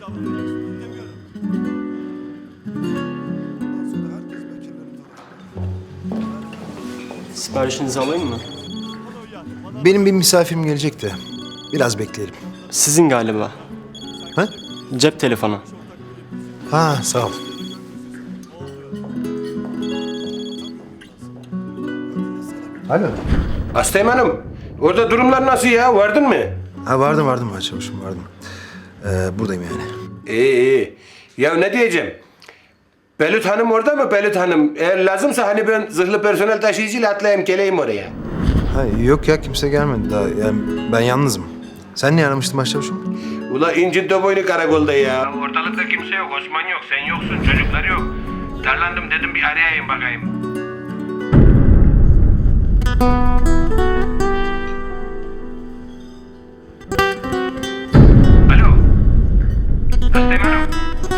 Siparişinizi alayım mı? Benim bir misafirim gelecek de biraz bekleyelim. Sizin galiba. Ha? Cep telefonu. Ha, sağ ol. Alo. Hastayım hanım. Orada durumlar nasıl ya? Vardın mı? Ha, vardım başçavuşum, vardım. Buradayım yani. İyi iyi. Ya ne diyeceğim? Belut Hanım orada mı Belut Hanım? Eğer lazımsa hani ben zırhlı personel taşıyıcıyla atlayayım geleyim oraya. Ha, yok ya, kimse gelmedi daha. Yani ben yalnızım. Sen niye aramıştın başçavuşum? Ula incin boynu karakolda ya. Ortalıkta kimse yok. Osman yok. Sen yoksun. Çocuklar yok. Darlandım dedim bir arayayım bakayım. Alo. Hastayım hanım.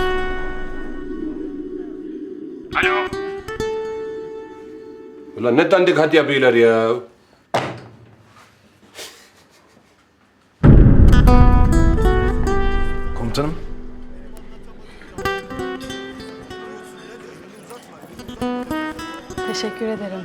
Alo. Ulan ne dandik hat yapıyorlar ya. Komutanım. Teşekkür ederim.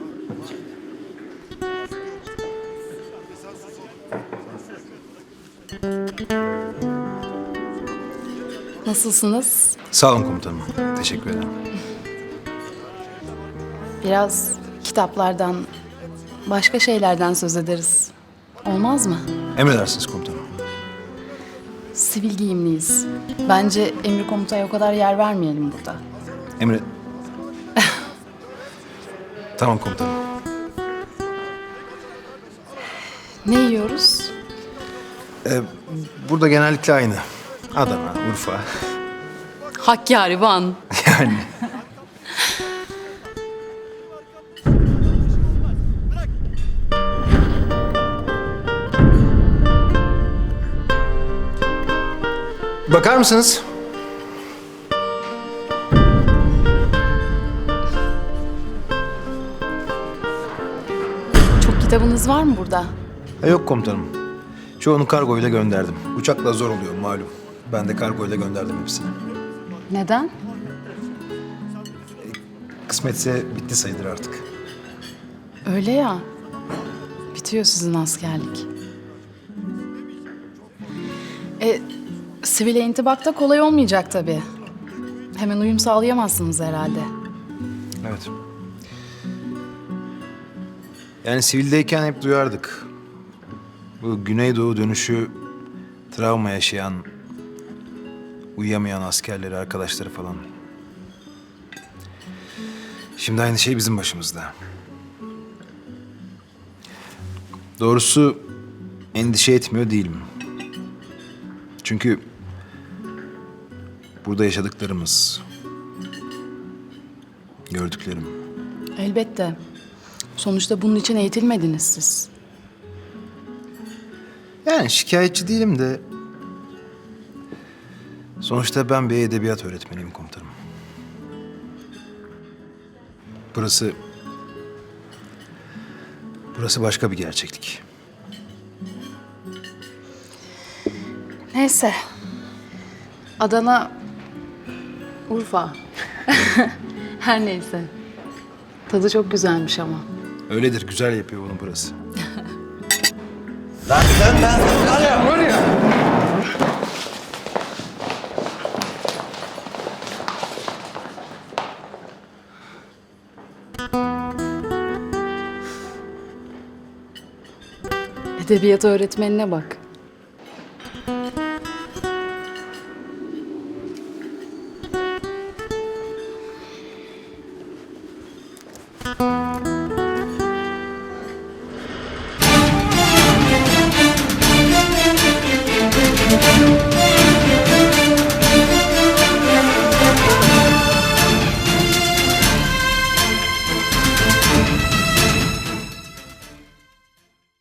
Nasılsınız? Sağ olun komutanım. Teşekkür ederim. Biraz kitaplardan, başka şeylerden söz ederiz. Olmaz mı? Emredersiniz komutanım. Sivil giyimliyiz. Bence emir komutaya o kadar yer vermeyelim burada. Emre... Tamam komutanım. Ne yiyoruz? Burada genellikle aynı. Adana, Urfa. Hakkari, Van. Yani. Bakar mısınız? Çok kitabınız var mı burada? Yok komutanım. Çoğunu kargoyla gönderdim. Uçakla zor oluyor malum. Ben de kargoyla gönderdim hepsini. Neden? Kısmetse bitti sayılır artık. Öyle ya. Bitiyor sizin askerlik. Sivile intibakta kolay olmayacak tabii. Hemen uyum sağlayamazsınız herhalde. Evet. Yani sivildeyken hep duyardık. Bu Güneydoğu dönüşü travma yaşayan, uyuyamayan askerleri, arkadaşları falan. Şimdi aynı şey bizim başımızda. Doğrusu endişe etmiyor değilim. Çünkü burada yaşadıklarımız, gördüklerim. Elbette. Sonuçta bunun için eğitilmediniz siz. Yani şikayetçi değilim de... Sonuçta ben bir edebiyat öğretmeniyim komutanım. Burası... Burası başka bir gerçeklik. Neyse. Adana, Urfa. Her neyse. Tadı çok güzelmiş ama. Öyledir, güzel yapıyor bunu burası. Lan sen var ya. Edebiyat öğretmenine bak.